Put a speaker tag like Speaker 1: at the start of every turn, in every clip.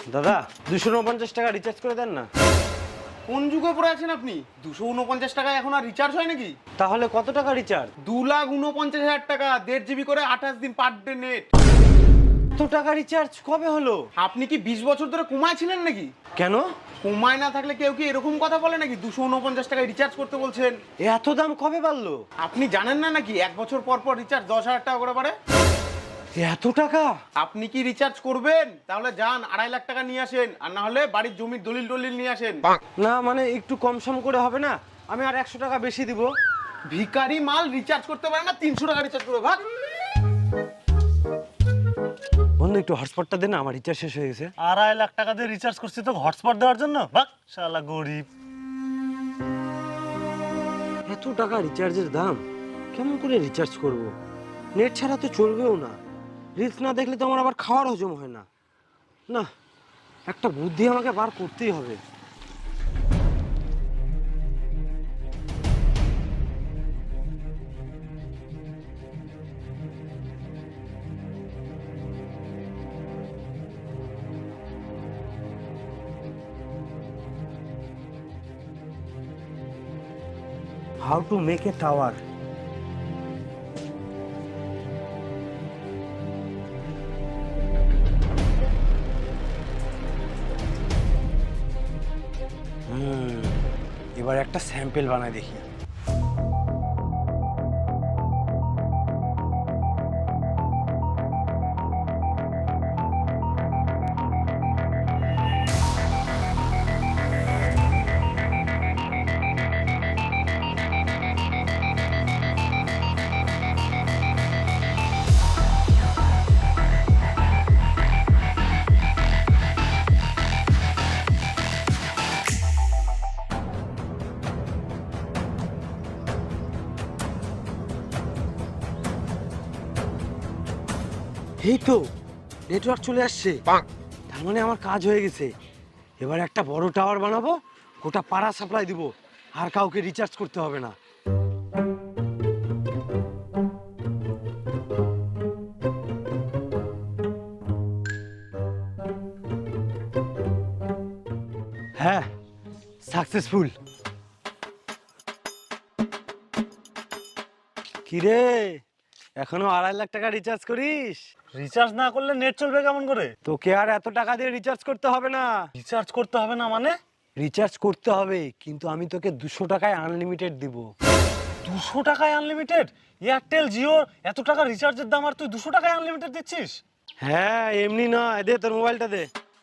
Speaker 1: দাদা 249 টাকা রিচার্জ করে দেন না।
Speaker 2: কোন যুগে পড়ে আছেন আপনি? 249 টাকায় এখন আর রিচার্জ হয় নাকি?
Speaker 1: তাহলে কত টাকা রিচার্জ?
Speaker 2: 2,49,000 টাকা, 1.5 জিবি করে 28 দিন পার ডে নেট।
Speaker 1: এত টাকা রিচার্জ কবে হলো?
Speaker 2: আপনি কি 20 বছর ধরে কোমায় ছিলেন নাকি?
Speaker 1: কেন?
Speaker 2: কোমায় না থাকলে কেউ কি এরকম কথা বলে নাকি 249 টাকায় রিচার্জ করতে বলছেন?
Speaker 1: এত দাম কবে বাড়লো?
Speaker 2: আপনি জানেন না নাকি 1 বছর পর পর রিচার্জ 10,000 টাকা করে বাড়ে?
Speaker 1: এত টাকা?
Speaker 2: আপনি কি রিচার্জ করবেন? তাহলে যান 2.5 লাখ টাকা নিয়ে আসেন, আর না হলে বাড়ির জমির দলিল টলিল নিয়ে আসেন।
Speaker 1: না মানে একটু কম সম করে হবে না? আমি আর 100 টাকা বেশি দিব।
Speaker 2: ভিখারি মাল রিচার্জ করতে পারে না, 300 টাকা রিচার্জ করবে, ভাগ।
Speaker 1: বন্ধু একটু হটস্পটটা দে না, আমার রিচার্জ শেষ হয়ে গেছে।
Speaker 3: 2.5 লাখ টাকা দিয়ে রিচার্জ করছি তো হটস্পট দেওয়ার জন্য? বাহ শালা গরিব।
Speaker 1: এত টাকা রিচার্জের দাম, কেমন করে রিচার্জ করব? নেট ছাড়া তো চলবেও না। রিলস না দেখলে তো আমার আবার খাওয়ার হজম হয় না। না, একটা বুদ্ধি আমাকে বার করতেই হবে। How to make a tower? এবার একটা স্যাম্পল বানাই দেখি। এই তো নেটওয়ার্ক চলে আসছে, তার মানে আমার কাজ হয়ে গেছে। এবার একটা বড় টাওয়ার বানাবো, গোটা পাড়া সাপ্লাই দিব, আর কাউকে রিচার্জ করতে হবে না। হ্যাঁ, সাকসেসফুল। কিরে, এখনো 2.5 লাখ টাকা রিচার্জ করিস?
Speaker 3: রিচার্জ না করলে নেট চলবে কেমন করে?
Speaker 1: তোকে আর এত টাকা দিয়ে রিচার্জ করতে হবে না।
Speaker 3: রিচার্জ করতে হবে না মানে?
Speaker 1: রিচার্জ করতে হবে, কিন্তু আমি তোকে 200 টাকায় আনলিমিটেড দিব।
Speaker 3: 200 টাকায় আনলিমিটেড? এয়ারটেল জিও এত টাকা রিচার্জের দাম, আর তুই 200 টাকায় আনলিমিটেড দিচ্ছিস?
Speaker 1: হ্যাঁ, এমনি নয়, দে তোর মোবাইলটা দে।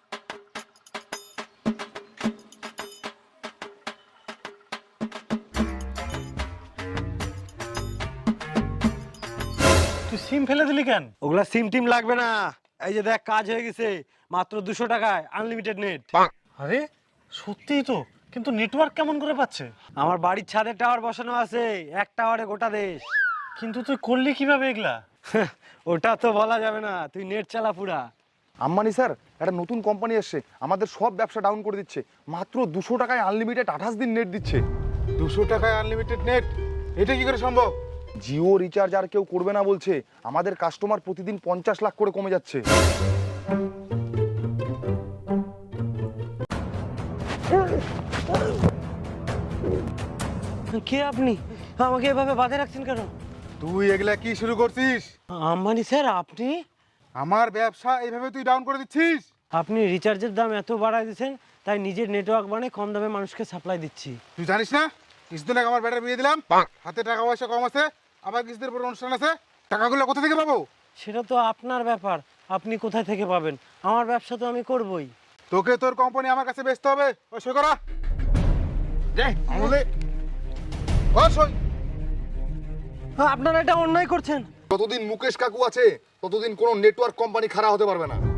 Speaker 3: তুই সিম ফেলে দিলি কেন?
Speaker 1: ওগুলা সিম টিম লাগবে না, এই যে দেখ কাজ হয়ে গেছে, মাত্র 200 টাকায় আনলিমিটেড নেট।
Speaker 3: আরে সত্যিই তো, কিন্তু নেটওয়ার্ক কেমন করে পাচ্ছে?
Speaker 1: আমার বাড়ির ছাদে টাওয়ার বসানো আছে, এক টাওয়ারে গোটা দেশ।
Speaker 3: কিন্তু তুই করলি কিভাবে এগুলা?
Speaker 1: ওটা তো বলা যাবে না, তুই নেট চালা পুরা।
Speaker 4: আম্বানি স্যার একটা নতুন কোম্পানি এসছে, আমাদের সব ব্যবসা ডাউন করে দিচ্ছে। মাত্র 200 টাকায় আনলিমিটেড 28 দিন নেট দিচ্ছে।
Speaker 5: 200 টাকায় আনলিমিটেড নেট? এটা কি করে সম্ভব?
Speaker 4: জিও রিচার্জ আর কেউ করবে না বলছে, আমাদের কাস্টমার প্রতিদিন 50 লাখ করে কমে যাচ্ছে।
Speaker 1: কে আপনি? আমাকে এভাবে বাঁধে রাখছেন কেন?
Speaker 5: তুই এগুলা কি শুরু করছিস?
Speaker 1: আম্বানি স্যার, আপনি?
Speaker 5: আমার ব্যবসা এইভাবে তুই ডাউন করে দিচ্ছিস?
Speaker 1: আপনি রিচার্জের দাম এত বাড়ায় দিচ্ছেন, তাই নিজের নেটওয়ার্ক বানিয়ে কম দামে মানুষকে সাপ্লাই দিচ্ছি।
Speaker 5: তুই জানিস না কিছুদিন আগে আমার ব্যাটার বিয়ে দিলাম, হাতে টাকা পয়সা কম আছে, আবার কিছুদিন পর অনুষ্ঠান আছে, টাকাগুলো কোথা থেকে পাবো?
Speaker 1: সেটা তো আপনার ব্যাপার, আপনি কোথায় থেকে পাবেন? আমার ব্যবসা তো আমি করবই।
Speaker 5: তোকে তোর কোম্পানি আমার কাছে বেচতে হবে। ওই সই করা যাই আমলে। ও সই।
Speaker 1: আপনারা এটা অন্যায় করছেন।
Speaker 4: যতদিন মুকেশ কাকু আছে ততদিন কোনো নেটওয়ার্ক কোম্পানি খারাপ হতে পারবে না।